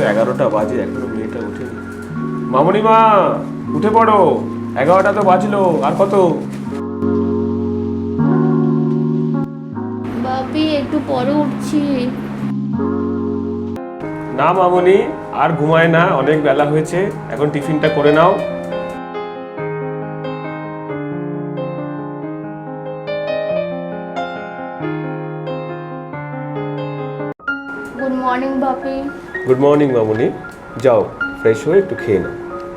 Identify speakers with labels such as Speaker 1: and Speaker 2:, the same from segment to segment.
Speaker 1: 11টা বাজে, এখনো মেয়েটা ওঠেনি। মামনি মা, উঠে পড়ো, 11টা তো বাজলো, আর কত?
Speaker 2: বাপি একটু পরে উঠছি।
Speaker 1: না মামনি, আর ঘুমায় না, অনেক বেলা হয়েছে, এখন টিফিনটা করে নাও।
Speaker 2: গুড মর্নিং বাপি।
Speaker 1: গুড মর্নিং মামনি, যাও ফ্রেশ হয়ে একটু খেয়ে নাও।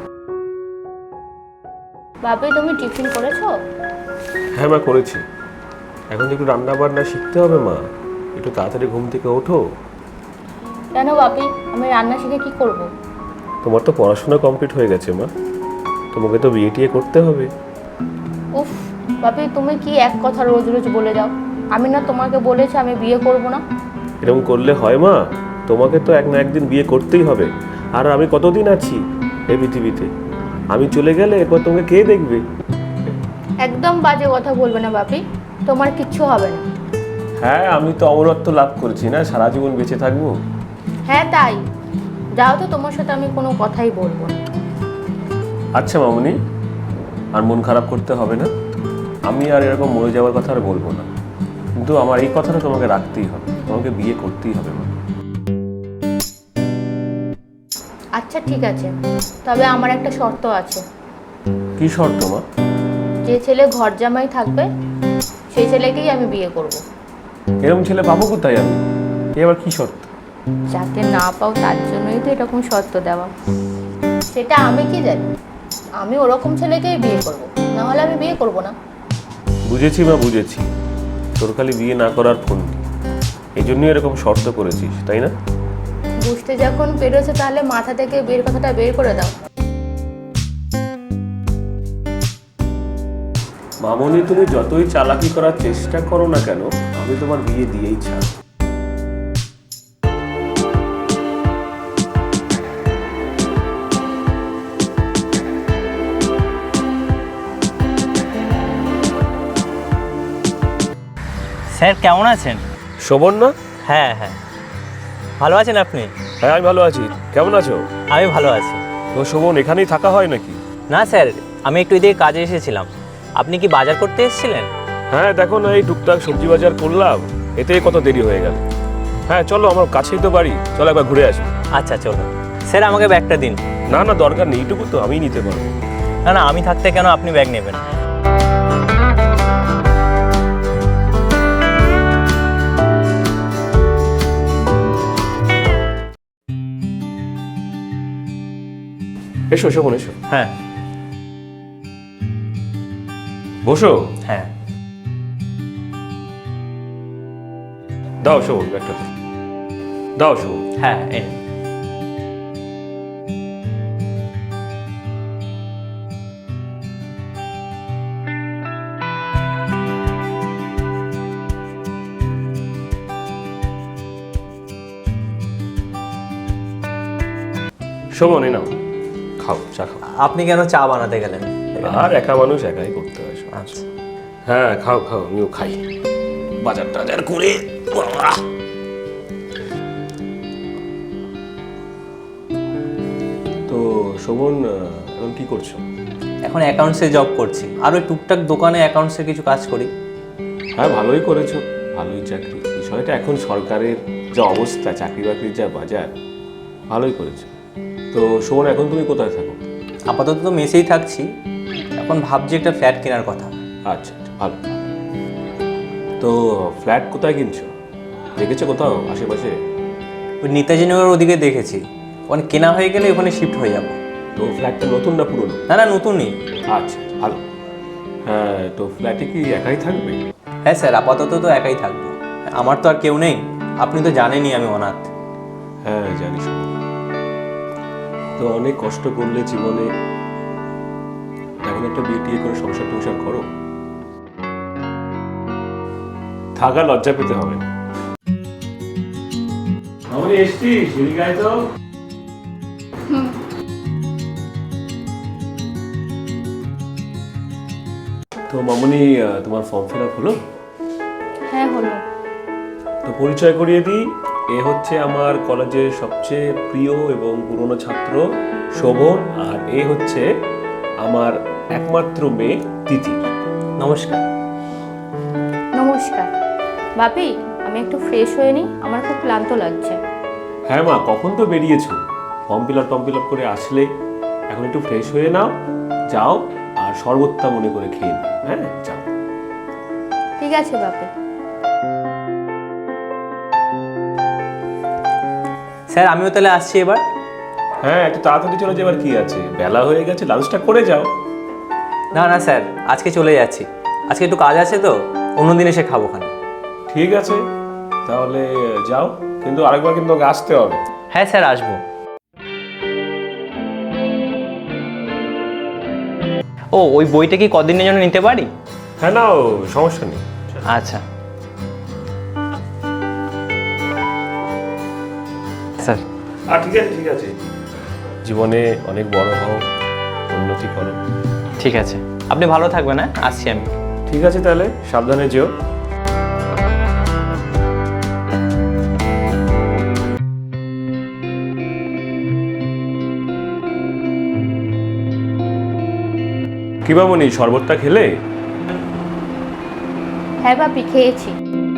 Speaker 2: বাপি তুমি টিফিন করেছো?
Speaker 1: হ্যাঁ মা, করেছি। এখন একটু রান্না বান্না শিখতে হবে মা, একটু তাড়াতাড়ি ঘুম থেকে ওঠো।
Speaker 2: কেন বাপি, আমি রান্না শিখে কি করব?
Speaker 1: তোমার তো পড়াশোনা কমপ্লিট হয়ে গেছে মা, তোমাকে তো বিয়ে টিয়ে করতে হবে।
Speaker 2: উফ বাপি, তুমি কি এক কথা রোজ রোজ বলে যাও। আমি না তোমাকে বলেছি আমি বিয়ে করব না।
Speaker 1: এরকম করলে হয় মা? তোমাকে তো এক না একদিন বিয়ে করতেই হবে। আর আমি কতদিন আছি এই পৃথিবীতে? আমি চলে গেলে এরপর তোমাকে কে দেখবে?
Speaker 2: একদম বাজে কথা বলবে না বাপি, তোমার কিচ্ছু হবে না।
Speaker 1: হ্যাঁ, আমি তো অমরত্ব লাভ করেছি না, সারা জীবন বেঁচে থাকবো।
Speaker 2: হ্যাঁ তাই, যাও তো, তোমার সাথে আমি কোনো কথাই বলবো না।
Speaker 1: আচ্ছা মামনি, আর মন খারাপ করতে হবে না, আমি আর এরকম মরে যাওয়ার কথা আর বলবো না। কিন্তু আমার এই কথাটা তোমাকে রাখতেই হবে, তোমাকে বিয়ে করতেই হবে মা।
Speaker 2: আচ্ছা ঠিক আছে, তবে আমার একটা শর্ত আছে।
Speaker 1: কি শর্ত মা?
Speaker 2: যে ছেলে ঘর জামাই থাকবে সেই ছেলেকেই আমি বিয়ে করব।
Speaker 1: এরকম ছেলে পাবো কোথায় আমি? এবার কি শর্ত?
Speaker 2: যাতে না পাও তার জন্যই তো এরকম শর্ত দেওয়া। সেটা আমি কি জানি, আমি ওরকম ছেলেকেই বিয়ে করব, না হলে আমি বিয়ে করব না।
Speaker 1: বুঝেছি মা, বুঝেছি। তোর খালি বিয়ে না করার ফোন, এই জন্যই এরকম শর্ত করেছিস, তাই না?
Speaker 2: বুঝতে যখন পেরেছো তাহলে মাথা থেকে বিয়ের কথাটা বের করে দাও।
Speaker 1: মামনি, তুমি যতই চালাকি করার চেষ্টা করো না কেন, আমি তোমার বিয়ে দিয়েই ছাড়।
Speaker 3: স্যার কেমন আছেন?
Speaker 1: শোভন না?
Speaker 3: হ্যাঁ হ্যাঁ, ভালো আছেন আপনি?
Speaker 1: হ্যাঁ আমি ভালো আছি, কেমন আছো?
Speaker 3: আমি ভালো আছি।
Speaker 1: তো শোভন, এখানেই থাকা হয় নাকি?
Speaker 3: না স্যার, আমি একটু এদিকে কাজে এসেছিলাম। আপনি কি বাজার করতে এসেছিলেন?
Speaker 1: হ্যাঁ দেখো না, এই টুকটাক সবজি বাজার করলাম, এতেই কত দেরি হয়ে গেল। হ্যাঁ চলো, আমার কাছেই তো বাড়ি, চলো একবার ঘুরে আসি।
Speaker 3: আচ্ছা চলো। স্যার আমাকে ব্যাগটা দিন।
Speaker 1: না না, দরকার নেই, এইটুকু তো আমিই নিতে পারবো।
Speaker 3: না না, আমি থাকতে কেন আপনি ব্যাগ নেবেন?
Speaker 1: এসো শোভন, এসো,
Speaker 3: হ্যাঁ
Speaker 1: বসো।
Speaker 3: হ্যাঁ।
Speaker 1: দাও শোভন ব্যাগটা, দাও শোভন।
Speaker 3: হ্যাঁ এই।
Speaker 1: শোভন এই নাও, খাও, চা খাও।
Speaker 3: আপনি কেন চা বানাতে গেলেন?
Speaker 1: আর একা মানুষ একাই করতে হয় সব।
Speaker 3: আচ্ছা।
Speaker 1: হ্যাঁ খাও খাও, আমিও খাই, বাজার টাজার করে। বাবা! তো শোভন, এখন কি করছো?
Speaker 3: এখন অ্যাকাউন্টসে জব করছি, আর ওই টুকটাক দোকানে অ্যাকাউন্টসে কিছু কাজ করি।
Speaker 1: হ্যাঁ ভালোই করেছো, ভালোই চাকরি। বিষয়টা এখন সরকারের যা অবস্থা, চাকরি বাকরির যা বাজার, ভালোই করেছো। তো শোভন, এখন তুমি কোথায় থাকো?
Speaker 3: আপাতত তো মেসেই থাকছি, এখন ভাবছি একটা ফ্ল্যাট কেনার কথা।
Speaker 1: আচ্ছা আচ্ছা, ভালো। তো ফ্ল্যাট কোথায় কিনছো? দেখেছো কোথাও আশেপাশে?
Speaker 3: ওই নেতাজি নগরের ওদিকে দেখেছি, ওখানে কেনা হয়ে গেলে ওখানে শিফট হয়ে যাব।
Speaker 1: তো ফ্ল্যাটটা নতুন না পুরনো?
Speaker 3: না না, নতুনই।
Speaker 1: আচ্ছা ভালো। হ্যাঁ, তো ফ্ল্যাটে কি একাই থাকবে?
Speaker 3: হ্যাঁ স্যার, আপাতত তো একাই থাকবো, আমার তো আর কেউ নেই, আপনি তো জানেনই আমি অনাথ।
Speaker 1: হ্যাঁ জানি শোনো, তো অনেক কষ্ট করলে জীবনে, এখন একটা বিয়ে টিয়ে করে সংসার টংসার করো, থাকা লজ্জা পেতে হবে না। আমি এসছিস, এদিকে আয় তো। তো মামনি, তোমার ফর্ম ফিল আপ হলো?
Speaker 2: হ্যাঁ হলো।
Speaker 1: তো পরিচয় করিয়ে দিই, এ হচ্ছে আমার কলেজের সবচেয়ে প্রিয় এবং পুরনো ছাত্র শোভন, আর এ হচ্ছে আমার একমাত্র মেয়ে তিতির।
Speaker 3: নমস্কার।
Speaker 2: নমস্কার। বাপি, আমি একটু ফ্রেশ হয়ে নিই, আমার খুব ক্লান্ত লাগছে।
Speaker 1: হ্যাঁ মা, কখন তো বেরিয়েছো, ফর্ম ফিল আপ করে আসলে, এখন একটু ফ্রেশ হয়ে নাও, যাও আর শরবতটা মনে করে খেয়ে নিও। হ্যাঁ যাও।
Speaker 2: ঠিক আছে বাপি।
Speaker 3: স্যার আমিও তাহলে আসছি এবার।
Speaker 1: হ্যাঁ একটু তাড়াতাড়ি চলে যাবার কি আছে, বেলা হয়ে গেছে, লাঞ্চটা করে যাও।
Speaker 3: না না স্যার, আজকে চলে যাচ্ছি, আজকে একটু কাজ আছে তো, অন্যদিন এসে খাবো খান।
Speaker 1: ঠিক আছে তাহলে যাও, কিন্তু আরেকবার কিন্তু ওকে আসতে হবে।
Speaker 3: হ্যাঁ স্যার আসবো। ও ওই বইটা কি কদিনের জন্য নিতে পারি?
Speaker 1: হ্যাঁ নাও, সমস্যা নেই।
Speaker 3: আচ্ছা স্যার।
Speaker 1: ঠিক আছে, জীবনে অনেক বড় হও, উন্নতি করো।
Speaker 3: ঠিক আছে, আপনি ভালো থাকবেন। হ্যাঁ আসছি আমি।
Speaker 1: ঠিক আছে তাহলে, সাবধানে যেও। কি বামনি, শরবতটা খেলে?
Speaker 2: হ্যাঁ বাপি, খেয়েছি।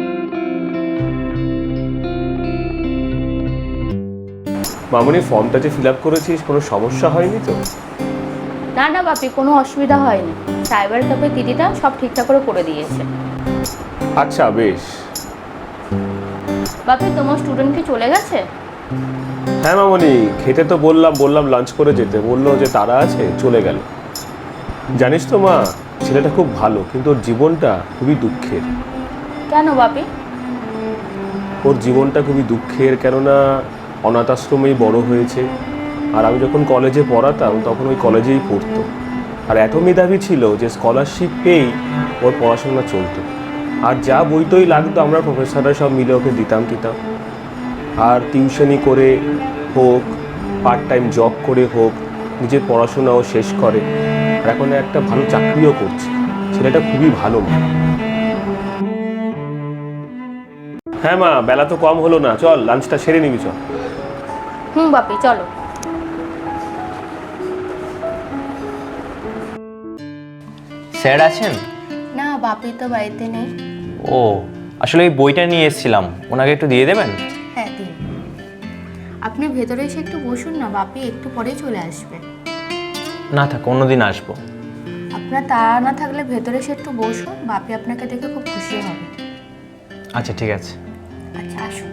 Speaker 1: মামনি, ফর্মটা যে ফিল আপ করেছিস কোনো সমস্যা হয়নি তো?
Speaker 2: না না বাপি, কোনো অসুবিধা হয়নি। সাইবার ক্যাফে দিদিটা সব ঠিকঠাক করে দিয়েছে।
Speaker 1: আচ্ছা বেশ।
Speaker 2: বাপি, তোমার স্টুডেন্ট কি চলে গেছে?
Speaker 1: হ্যাঁ মামনি, খেতে তো বললাম লাঞ্চ করে যেতে, বললো যে তারা আছে, চলে গেল। জানিস তো মা, ছেলেটা খুব ভালো, কিন্তু ওর জীবনটা খুবই দুঃখের।
Speaker 2: কেন বাপি?
Speaker 1: ওর জীবনটা খুবই দুঃখের, কেননা অনাথ আশ্রমেই বড় হয়েছে, আর আমি যখন কলেজে পড়াতাম তখন ওই কলেজেই পড়তো, আর এত মেধাবী ছিল যে স্কলারশিপ পেয়েই ওর পড়াশোনা চলতো, আর যা বইটই লাগতো আমরা প্রফেসররা সব মিলে ওকে দিতাম। আর টিউশনি করে হোক, পার্ট টাইম জব করে হোক, নিজের পড়াশোনাও শেষ করে, আর এখন একটা ভালো চাকরিও করছে। ছেলেটা খুবই ভালো মা। হ্যাঁ মা, বেলা তো কম হলো না, চল লাঞ্চটা সেরে নিবি, চল।
Speaker 2: বাপি চলো।
Speaker 3: স্যার আছেন?
Speaker 2: না, বাপি তো বাড়িতে নেই।
Speaker 3: ও আসলে এই বইটা নিয়ে এসেছিলাম, ওনাকে একটু দিয়ে দেবেন?
Speaker 2: হ্যাঁ দিন। আপনি ভেতরে এসে একটু বসুন না, বাপি একটু পরেই চলে আসবে।
Speaker 3: না থাক, অন্যদিন আসবো।
Speaker 2: আপনার তাড়া না থাকলে ভেতরে এসে একটু বসুন, বাপি আপনাকে দেখে খুব খুশি হবে।
Speaker 3: আচ্ছা ঠিক আছে।
Speaker 2: আচ্ছা আসুন।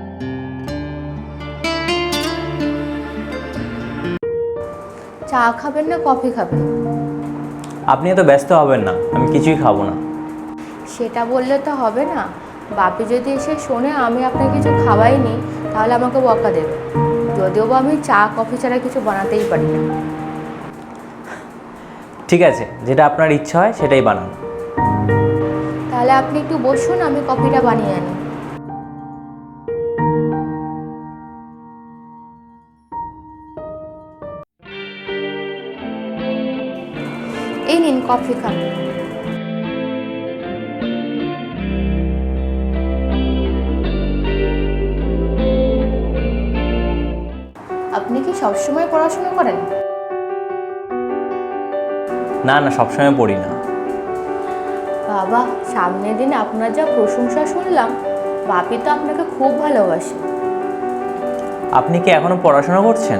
Speaker 2: চা খাবেন না কফি খাবেন?
Speaker 3: আপনি এত ব্যস্ত হবেন না, আমি কিছুই খাবো না।
Speaker 2: সেটা বললে তো হবে না। বাপি যদি এসে শোনে আমি আপনাকে কিছু খাওয়াইনি, তাহলে আমাকে বকা দেবে। যদিও বা আমি চা কফি ছাড়া কিছু বানাতেই পারি না।
Speaker 3: ঠিক আছে, যেটা আপনার ইচ্ছা হয় সেটাই বানান।
Speaker 2: তাহলে আপনি একটু বসুন, আমি কফিটা বানিয়ে আনি। এই নিন কফি খান। আপনি কি সবসময় পড়াশোনা করেন?
Speaker 3: না না, সবসময় পড়ি না।
Speaker 2: বাবা, সামনের দিন আপনার যা প্রশংসা শুনলাম, বাপি তো আপনাকে খুব ভালোবাসে।
Speaker 3: আপনি কি এখনো পড়াশোনা করছেন?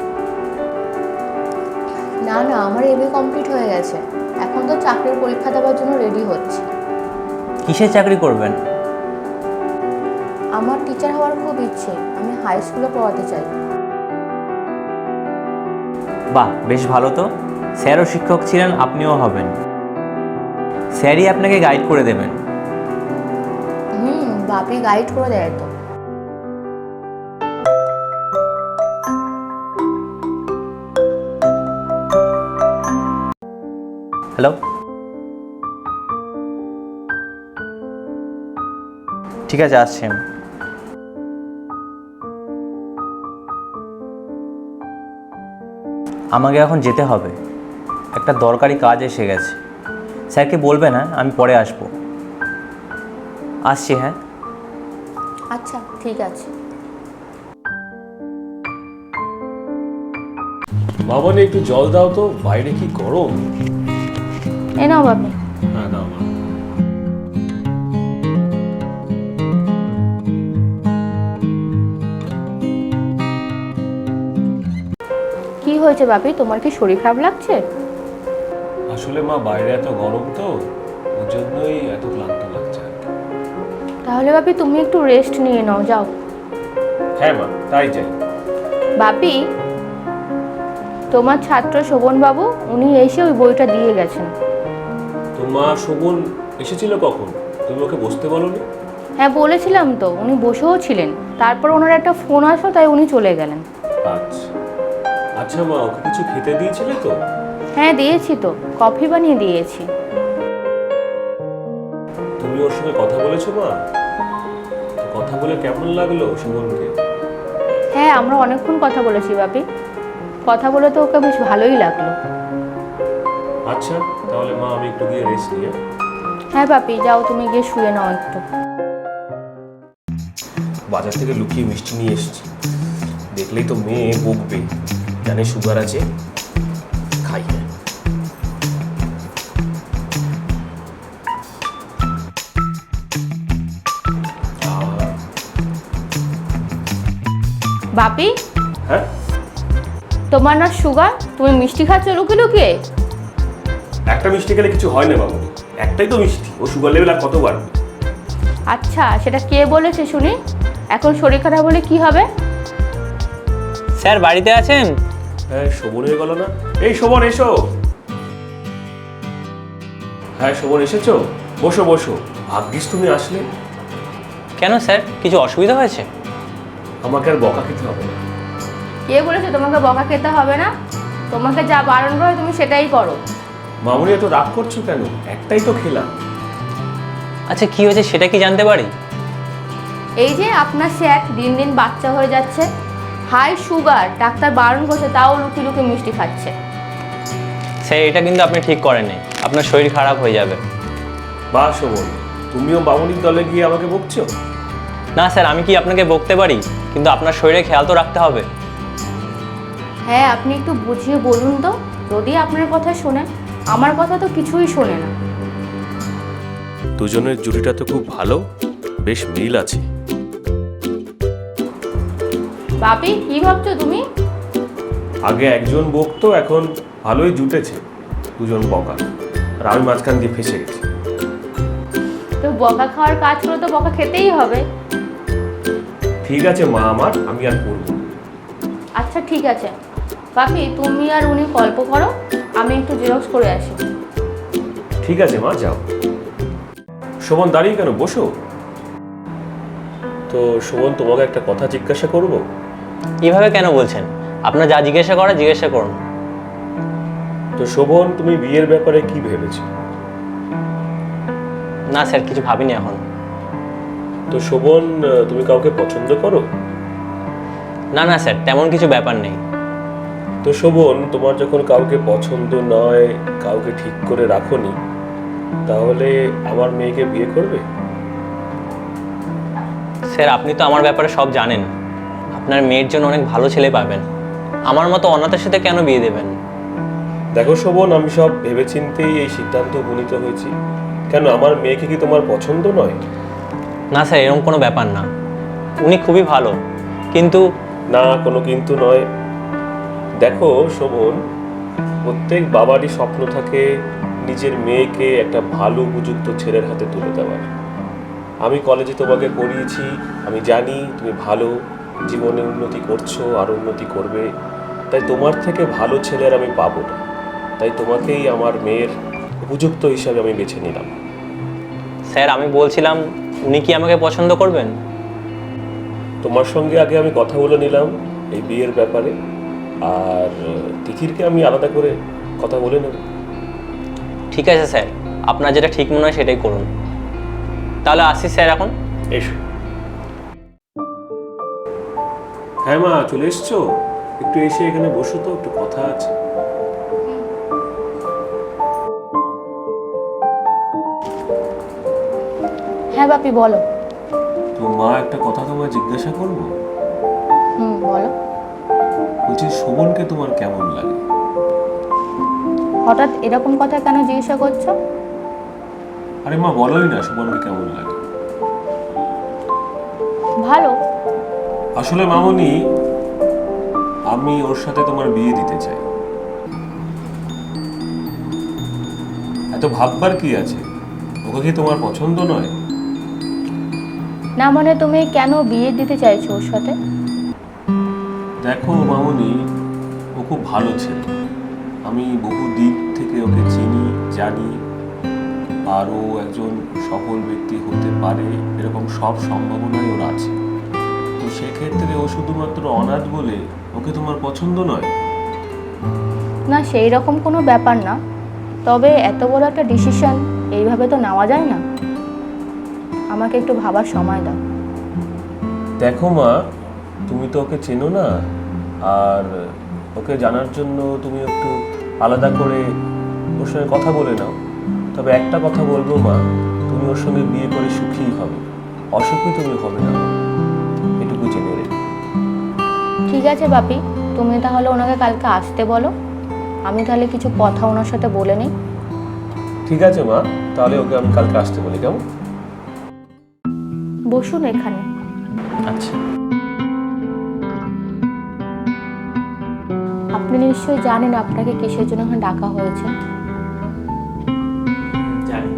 Speaker 2: না না, আমার এমএ কমপ্লিট হয়ে গেছে। এখন তো চাকরির পরীক্ষা দেওয়ার জন্য রেডি হচ্ছে।
Speaker 3: কিসের চাকরি করবেন?
Speaker 2: আমার টিচার হওয়ার খুব ইচ্ছে, আমি হাই স্কুলে পড়াতে চাই।
Speaker 3: বাহ, বেশ ভালো তো। স্যারও শিক্ষক ছিলেন, আপনিও হবেন। স্যারই আপনাকে গাইড করে দেবেন।
Speaker 2: বাপি গাইড করে দেয় তো।
Speaker 3: হ্যালো, ঠিক আছে আসছি আমি। আমাকে এখন যেতে হবে, একটা দরকারি কাজ এসে গেছে। স্যারকে বলবেন, হ্যাঁ আমি পরে আসবো। আসছি, হ্যাঁ।
Speaker 2: আচ্ছা ঠিক আছে।
Speaker 1: মামনি একটু জল দাও তো, বাইরে কি গরম।
Speaker 2: এ নাও বাপি।
Speaker 1: হ্যাঁ দাও মা।
Speaker 2: কি হয়েছে বাপি, তোমার কি শরীর খারাপ লাগছে?
Speaker 1: আসলে মা বাইরে এত গরম তো, ওর জন্যই এত ক্লান্ত লাগছে আর কি।
Speaker 2: তাহলে বাপি তুমি একটু রেস্ট নিয়ে নাও, যাও।
Speaker 1: হ্যাঁ মা, তাই যাই।
Speaker 2: বাপি, তোমার ছাত্র শোভনবাবু উনি এসে ওই বইটা দিয়ে গেছেন।
Speaker 1: তো মা, শোভন এসেছিল কখন? তুমি ওকে বসতে বলোনি?
Speaker 2: হ্যাঁ বলেছিলাম তো, উনি বসেও ছিলেন, তারপর ওনার একটা ফোন আসলো তাই উনি চলে গেলেন।
Speaker 1: আচ্ছা আচ্ছা মা, ওকে কিছু খেতে দিয়েছিলে তো?
Speaker 2: হ্যাঁ দিয়েছি তো, কফি বানিয়ে দিয়েছি।
Speaker 1: তুমি ওর সঙ্গে কথা বলেছো মা? তো কথা বলে কেমন লাগলো শোভনকে?
Speaker 2: হ্যাঁ আমরা অনেকক্ষণ কথা বলেছি বাপি, কথা বলে তো ওকে বেশ ভালোই লাগলো।
Speaker 1: আচ্ছা তাহলে মা, আমি একটু গিয়ে রেস্ট নিয়ে।
Speaker 2: হ্যাঁ বাপি যাও, তুমি গিয়ে শুয়ে নাও একটু।
Speaker 1: বাজার থেকে লুকিয়ে মিষ্টি নিয়ে এসেছি, দেখলেই তো মেয়ে বকবে, জানে সুগার আছে। খাই না।
Speaker 2: বাপি,
Speaker 1: হ্যাঁ
Speaker 2: তোমার না সুগার, তুমি মিষ্টি খাচ্ছ লুকিয়ে লুকিয়ে?
Speaker 1: একটা মিষ্টি খেলে কিছু হয় না বাবু, একটাই তো মিষ্টি, ও সুগার লেভেল আর কত বাড়বে?
Speaker 2: আচ্ছা সেটা কে বলেছে শুনি? এখন শরীর খারাপ হলে কি হবে?
Speaker 3: স্যার বাড়িতে আছেন?
Speaker 1: হ্যাঁ শোভন হয়ে গেল না। এই শোভন এসো। হ্যাঁ শোভন এসেছো, বসো বসো। ভাগ্যিস তুমি আসলে।
Speaker 3: কেন স্যার, কিছু অসুবিধা হয়েছে?
Speaker 1: আমাকে আর বকা খেতে হবে না।
Speaker 2: কে বলেছে তোমাকে বকা খেতে হবে না? তোমাকে যা বারণ করে তুমি সেটাই করো।
Speaker 1: মামুনি এত রাগ করছো কেন? একটাই তো খেলাম।
Speaker 3: আচ্ছা কি হয়েছে সেটা কি জানতে পারি?
Speaker 2: এই যে আপনার স্যার দিন দিন বাচ্চা হয়ে যাচ্ছে, হাই সুগার, ডাক্তার বারণ করছে তাও লুকিয়ে লুকিয়ে মিষ্টি খাচ্ছে।
Speaker 3: স্যার এটা কিন্তু আপনি ঠিক করেননি, আপনার শরীর খারাপ হয়ে যাবে।
Speaker 1: বা শোভন, তুমিও মামুনির দলে গিয়ে আমাকে বকছো?
Speaker 3: না স্যার, আমি কি আপনাকে বকতে পারি? কিন্তু আপনার শরীরে খেয়াল তো রাখতে হবে।
Speaker 2: হ্যাঁ আপনি একটু বুঝিয়ে বলুন তো, যদি আপনার কথা শোনে, আমার কথা তো কিছুই শোনে না।
Speaker 1: দুজনের জুটিটা তো খুব ভালো, বেশ মিল আছে।
Speaker 2: বাপি কি ভাবছো তুমি?
Speaker 1: আগে একজন বকতো, এখন ভালোই জুটেছে দুজন বকা, আর আমি মাঝখান দিয়ে ফেসে গেছি।
Speaker 2: তো বকা খাওয়ার কাজ করে তো বকা খেতেই হবে।
Speaker 1: ঠিক আছে মা আমার, আমি আর করবো না।
Speaker 2: আচ্ছা ঠিক আছে বাপি, তুমি আর উনি গল্প করো, আমি একটু জেরক্স করে আসি।
Speaker 1: ঠিক আছে মা, যাও। শোভন দাঁড়িয়ে কেন, বসো। তো শোভন, তোমাকে একটা কথা জিজ্ঞাসা করব।
Speaker 3: এইভাবে কেন বলছেন? আপনার যা জিজ্ঞাসা করা জিজ্ঞাসা করুন।
Speaker 1: তো শোভন, তুমি বিয়ের ব্যাপারে কি ভেবেছো?
Speaker 3: না স্যার, কিছু ভাবিনি এখন।
Speaker 1: তো শোভন, তুমি কাউকে পছন্দ করো?
Speaker 3: না না স্যার, তেমন কিছু ব্যাপার নেই।
Speaker 1: তো শোভন, তোমার যখন কাউকে পছন্দ নয়, কাউকে ঠিক করে রাখোনি, তাহলে আমার মেয়েকে বিয়ে করবে?
Speaker 3: স্যার আপনি তো আমার ব্যাপারে সব জানেন, আপনার মেয়ের জন্য অনেক ভালো ছেলে পাবেন, আমার মতো অনাথের সাথে কেন বিয়ে দেবেন?
Speaker 1: দেখো শোভন, আমি সব ভেবেচিন্তেই এই সিদ্ধান্ত উপনীত হয়েছি। কেন, আমার মেয়েকে কি তোমার পছন্দ নয়?
Speaker 3: না স্যার, এরকম কোনো ব্যাপার না, উনি খুবই ভালো, কিন্তু
Speaker 1: না, কোনো কিন্তু নয়। দেখো শোভন, প্রত্যেক বাবারই স্বপ্ন থাকে নিজের মেয়েকে একটা ভালো উপযুক্ত ছেলের হাতে তুলে দেওয়ার। আমি কলেজে তোমাকে পড়িয়েছি, আমি জানি তুমি ভালো, জীবনে উন্নতি করছো, আর উন্নতি করবে। তাই তোমার থেকে ভালো ছেলের আমি পাবো না, তাই তোমাকেই আমার মেয়ের উপযুক্ত হিসাবে আমি বেছে নিলাম।
Speaker 3: স্যার আমি বলছিলাম, উনি কি আমাকে পছন্দ করবেন?
Speaker 1: তোমার সঙ্গে আগে আমি কথা বলে নিলাম এই বিয়ের ব্যাপারে, আর তিথিরকে আমি আলাদা করে কথা বলে নেব।
Speaker 3: ঠিক আছে স্যার, আপনার যেটা ঠিক মনে হয় সেটাই করুন। তাহলে আসি স্যার এখন।
Speaker 1: এসো। হ্যাঁ মা, চলে এসছো? একটু এসে এখানে বসো তো, একটু কথা আছে।
Speaker 2: হ্যাঁ বাপি বলো।
Speaker 1: তো মা, একটা কথা তোমায় জিজ্ঞাসা করবো?
Speaker 2: বলো।
Speaker 1: বলছি, শোভনকে তোমার কেমন লাগে?
Speaker 2: হঠাৎ এরকম কথা কেন জিজ্ঞাসা করছো?
Speaker 1: আরে মা, বলোই না শোভনকে কেমন লাগে।
Speaker 2: ভালো।
Speaker 1: আসলে মামনি, আমি ওর সাথে তোমার বিয়ে দিতে চাই। এত ভাববার কি আছে? ওকে কি তোমার পছন্দ নয়?
Speaker 2: না মানে তুমি কেন বিয়ে দিতে চাইছো ওর সাথে?
Speaker 1: দেখো মামনি, ও খুব ভালো ছেলে। আমি বহু দিক থেকে ওকে চিনি, জানি। আর ও একজন সফল ব্যক্তি হতে পারে এরকম সব সম্ভাবনাই ওর আছে। তো সেক্ষেত্রে ও শুধুমাত্র অনাথ বলে ওকে তোমার পছন্দ নয়?
Speaker 2: না, সেই রকম কোনো ব্যাপার না, তবে এত বড় একটা ডিসিশন এইভাবে তো নেওয়া যায় না। আমাকে একটু ভাবার সময় দাও।
Speaker 1: দেখো মা, তুমি তো ওকে চেনো না, আর ওকে জানার জন্য তুমি একটু আলাদা করে ওর সঙ্গে কথা বলে নাও। তবে একটা কথা বলবো মা, তুমি ওর সঙ্গে বিয়ে করে সুখীই হবে, অসুখী তুমি হবে না, এটুকু জেনে রেখো।
Speaker 2: ঠিক আছে বাপি, তুমি তাহলে ওনাকে কালকে আসতে বলো, আমি তাহলে কিছু কথা ওনার সাথে বলে নিই।
Speaker 1: ঠিক আছে মা, তাহলে ওকে আমি কালকে আসতে বলি, কেমন?
Speaker 2: বসুন এখানে।
Speaker 3: আচ্ছা।
Speaker 2: আপনি নিশ্চয়ই জানেন আপনাকে কিসের জন্য এখানে ডাকা হয়েছে।
Speaker 3: জানি।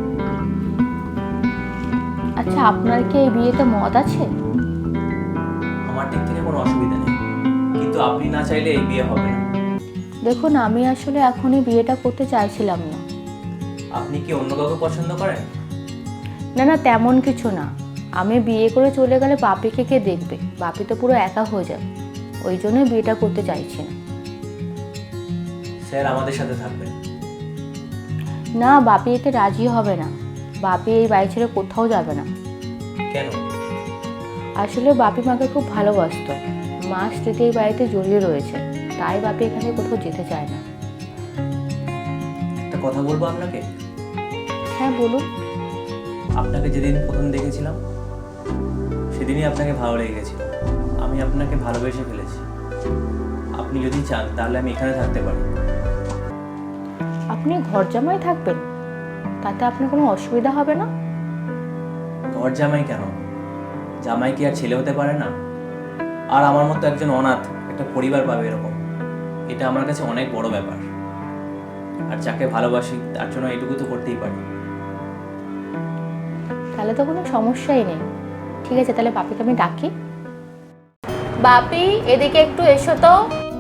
Speaker 2: আচ্ছা, আপনার কি এই বিয়েতে মত আছে?
Speaker 3: আমার দিক থেকে কোনো অসুবিধা নেই, কিন্তু আপনি না চাইলে এই বিয়ে হবে না।
Speaker 2: দেখুন, আমি আসলে এখনই বিয়েটা করতে চাইছিলাম না।
Speaker 3: আপনি কি অন্য কাউকে পছন্দ করেন?
Speaker 2: না না, তেমন কিছু না। আমি বিয়ে করে চলে গেলে বাপিকে কে দেখবে? বাপি তো পুরো একা হয়ে যাবে, ওই জন্যই বিয়েটা করতে চাইছি না।
Speaker 3: স্যার আমাদের সাথে থাকবেন।
Speaker 2: না, বাপি এতে রাজি হবে না। বাপি এই বাড়ি ছেড়ে কোথাও যাবে না।
Speaker 3: কেন?
Speaker 2: আসলে বাপি মাকে খুব ভালোবাসতো, মা স্মৃতি এই বাড়িতে জড়িয়ে রয়েছে, তাই বাপি এখানে কোথাও যেতে চায় না।
Speaker 3: একটা কথা বলবো আপনাকে।
Speaker 2: হ্যাঁ বলুন।
Speaker 3: আপনাকে যেদিন প্রথম দেখেছিলাম সেদিনই আপনাকে ভালো লেগে গেছিল। আমি আপনাকে ভালোবেসে ফেলেছি। আপনি যদি চান তাহলে আমি এখানে থাকতে পারি।
Speaker 2: আপনি ঘর জামাই থাকবেন? তাতে আপনার কোনো অসুবিধা হবে না?
Speaker 3: ঘর জামাই কেন? জামাই কি আর ছেলে হতে পারে না? আর আমার মতো একজন অনাথ একটা পরিবার পাবে এরকম, এটা আমার কাছে অনেক বড় ব্যাপার। আর যাকে ভালোবাসি তার জন্য এটুকু তো করতেই পারি।
Speaker 2: তাহলে তো কোনো সমস্যাই নেই। ঠিক আছে, তাহলে বাপিকে আমি ডাকি। বাপি, এদিকে একটু এসো তো।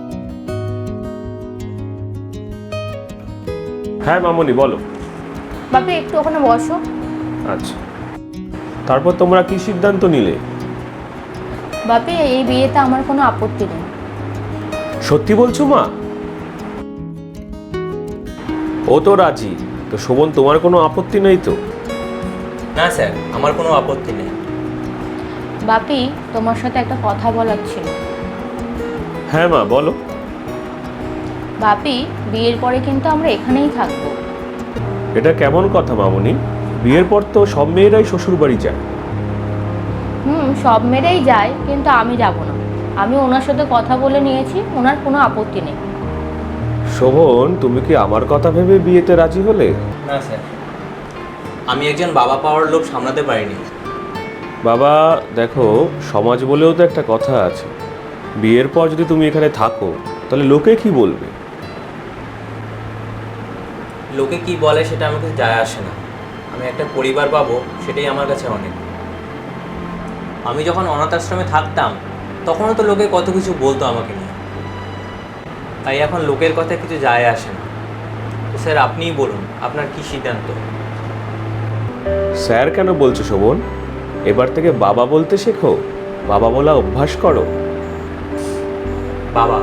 Speaker 1: হ্যাঁ মামনি, বলো।
Speaker 2: বাপি একটু ওখানে বসো।
Speaker 1: আচ্ছা, তারপর তোমরা কি সিদ্ধান্ত নিলে?
Speaker 2: বাপি, এই বিয়েতে আমার কোনো আপত্তি নেই।
Speaker 1: সত্যি বলছো মা? ও তো রাজি, তো শোভন তোমার কোনো আপত্তি নেই তো?
Speaker 3: না স্যার, আমার কোনো আপত্তি নেই।
Speaker 2: বাপি, তোমার সাথে একটা কথা বলার ছিল।
Speaker 1: হ্যাঁ মা, বলো।
Speaker 2: বাপি, বিয়ের পরে কিন্তু আমরা এখানেই থাকবো।
Speaker 1: এটা কেমন কথা মামনি? বিয়ের পর তো সব মেয়েরাই শ্বশুর বাড়ি যায়।
Speaker 2: সব মেয়েরাই যায়, কিন্তু আমি যাব না। আমি ওনার সাথে কথা বলে নিয়েছি, ওনার কোনো আপত্তি নেই।
Speaker 1: শোভন, তুমি কি আমার কথা ভেবে বিয়েতে রাজি হলে?
Speaker 3: না স্যার, আমি একজন বাবা পাওয়ার লোভ সামলাতে পারিনি।
Speaker 1: বাবা দেখো, সমাজ বলেও তো একটা কথা আছে। বিয়ের পর যদি তুমি এখানে থাকো তাহলে লোকে কি বলবে?
Speaker 3: লোকে কি বলে সেটা আমাকে যায় আসে না। আমি একটা পরিবার পাবো, সেটাই আমার কাছে অনেক। আমি যখন অনাথ আশ্রমে থাকতাম তখনও তো লোকে কত কিছু বলতো আমাকে নিয়ে, তাই এখন লোকের কথা কিছু যায় আসে না। তো স্যার আপনিই বলুন, আপনার কি সিদ্ধান্ত?
Speaker 1: স্যার কেন বলছো শোভন? এবার থেকে বাবা বলতে শেখো, বাবা বলা অভ্যাস করো।
Speaker 3: বাবা।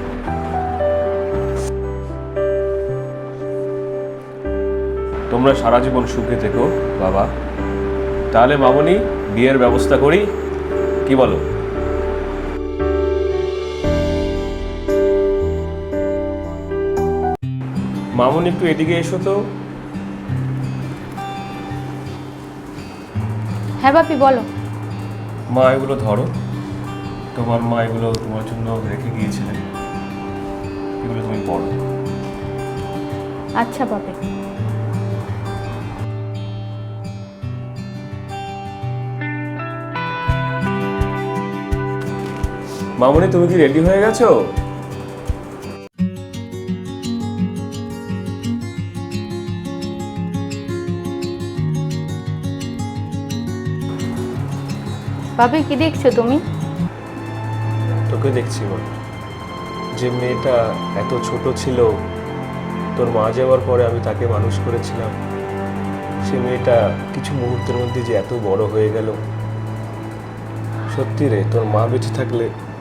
Speaker 1: তোমরা সারা জীবন সুখে থেকো বাবা। তাহলে মামনি, বিয়ের ব্যবস্থা করি, কি বলো? মামনি একটু এদিকে এসো তো।
Speaker 2: হ্যাঁ বাপি, বলো।
Speaker 1: মা এগুলো ধরো, তোমার মা এগুলো তোমার জন্য রেখে গিয়েছিলেন, এগুলো তুমি পড়ো।
Speaker 2: আচ্ছা বাপি।
Speaker 1: মামনি, তুমি কি রেডি হয়ে গেছো?
Speaker 2: বাপি কি দেখছো তুমি?
Speaker 1: তোকে দেখছি মা। যে মেয়েটা এত ছোট ছিল, তোর মা যাওয়ার পরে আমি তাকে মানুষ করেছিলাম, সে মেয়েটা কিছু মুহূর্তের মধ্যে যে এত বড় হয়ে গেল। সত্যি রে, তোর মা বেঁচে থাকলে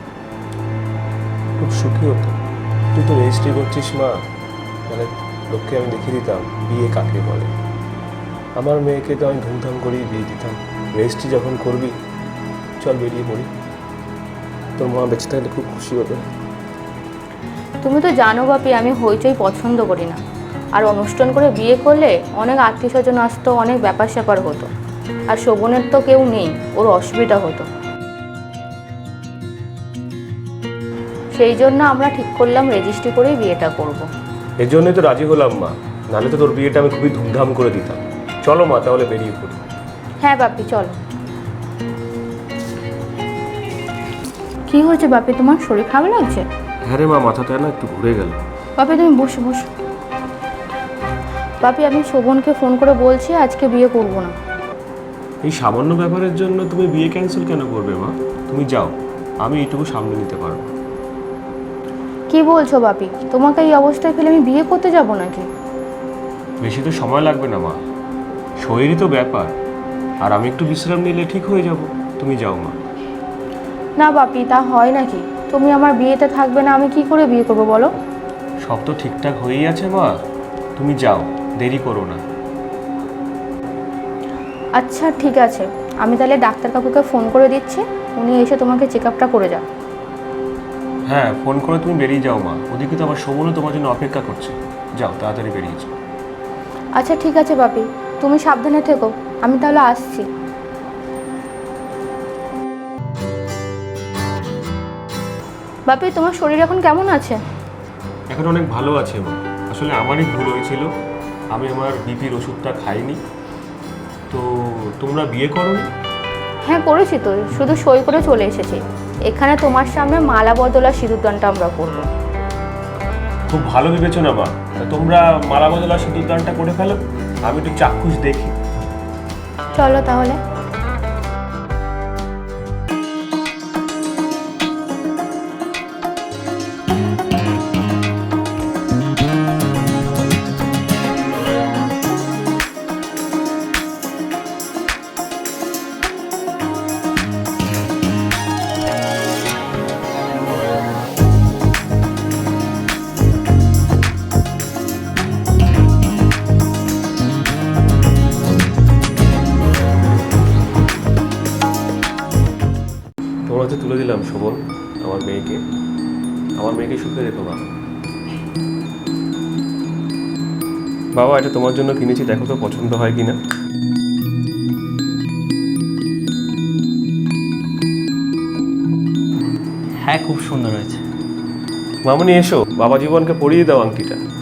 Speaker 1: খুব সুখী হতো। তুই তো রেজিস্ট্রি করছিস মা, মানে লোককে আমি দেখিয়ে দিতাম বিয়ে কাকে বলে। আমার মেয়েকে তো আমি ধুমধাম করেই বিয়ে দিতাম। রেজিস্ট্রি যখন করবি, চল বেরিয়ে পড়ি, তোর মা বেঁচে থাকলে খুব খুশি হতো।
Speaker 2: তুমি তো জানো বাপি আমি হইচই পছন্দ করি না, আর অনুষ্ঠান করে বিয়ে করলে অনেক আত্মীয় স্বজন আসতো, অনেক ব্যাপার স্যাপার হতো, আর শোভনের তো কেউ নেই, ওর অসুবিধা হতো। সেই জন্য আমরা ঠিক করলাম রেজিস্ট্রি করেই বিয়েটা করব।
Speaker 1: এর জন্যই তো রাজি হলাম মা, নাহলে তো তোর বিয়েটা আমি খুবই ধুমধাম করে দিতাম। চলো মা, তাহলে বেরিয়ে পড়ি।
Speaker 2: হ্যাঁ বাপি চলো। কি হয়েছে বাপি, তোমার শরীর খারাপ লাগছে?
Speaker 1: হ্যাঁ রে মা, মাথাটা না একটু ঘুরে গেল।
Speaker 2: বাপি তুমি বসো বসো। বাপি আমি শোভনকে ফোন করে বলছি আজকে বিয়ে করব না।
Speaker 1: এই সামান্য ব্যাপারের জন্য তুমি বিয়ে ক্যান্সেল কেন করবে মা? তুমি যাও, আমি এইটুকু সামনে নিতে পারবো।
Speaker 2: কি বলছো বাপি, তোমাকে এই অবস্থায় ফেলে আমি বিয়ে করতে যাব নাকি?
Speaker 1: বেশি তো সময় লাগবে না মা, শরীরই তো ব্যাপার, আর আমি একটু বিশ্রাম নিলে ঠিক হয়ে যাব। তুমি যাও মা।
Speaker 2: না বাপি তা হয় নাকি? তুমি আমার বিয়েতে থাকবে না, আমি কি করে বিয়ে করবো বলো?
Speaker 1: সব তো ঠিকঠাক হয়েই আছে মা, তুমি যাও, দেরি করো না।
Speaker 2: আচ্ছা ঠিক আছে, আমি তাহলে ডাক্তার কাকুকে ফোন করে দিচ্ছি, উনি এসে তোমাকে চেক আপটা করে যান।
Speaker 1: হ্যাঁ, ফোন করে তুমি বেরিয়ে যাও মা, ওদিকে তো আমার শোভনও তোমার জন্য অপেক্ষা করছে। যাও তাড়াতাড়ি বেরিয়ে যাও।
Speaker 2: আচ্ছা ঠিক আছে বাপি, তুমি সাবধানে থেকো, আমি তাহলে আসছি। বাপি তোমার শরীর এখন কেমন আছে?
Speaker 1: এখন অনেক ভালো আছে মা। আসলে আমারই ভুল হয়েছিল, আমি আমার বিপির ওষুধটা খাইনি। তো তোমরা বিয়ে করোনি?
Speaker 2: হ্যাঁ করেছি তো, শুধু সই করে চলে এসেছি। এখানে তোমার সামনে মালা বদলা সিঁদুরদানটা আমরা করবো।
Speaker 1: খুব ভালো বিবেচনা মা, তা তোমরা মালা বদলা সিঁদুরদানটা করে ফেলো, আমি একটু চাক্ষুষ দেখি।
Speaker 2: চলো তাহলে।
Speaker 1: তোমার হাতে তুলে দিলাম শোভন, আমার মেয়েকে। আমার মেয়েকে সুখে রেখো বাবা। বাবা, এটা তোমার জন্য কিনেছি, দেখো তো পছন্দ হয় কিনা।
Speaker 3: হ্যাঁ খুব সুন্দর হয়েছে।
Speaker 1: মামনি এসো, বাবা জীবনকে পরিয়ে দাও আংটিটা।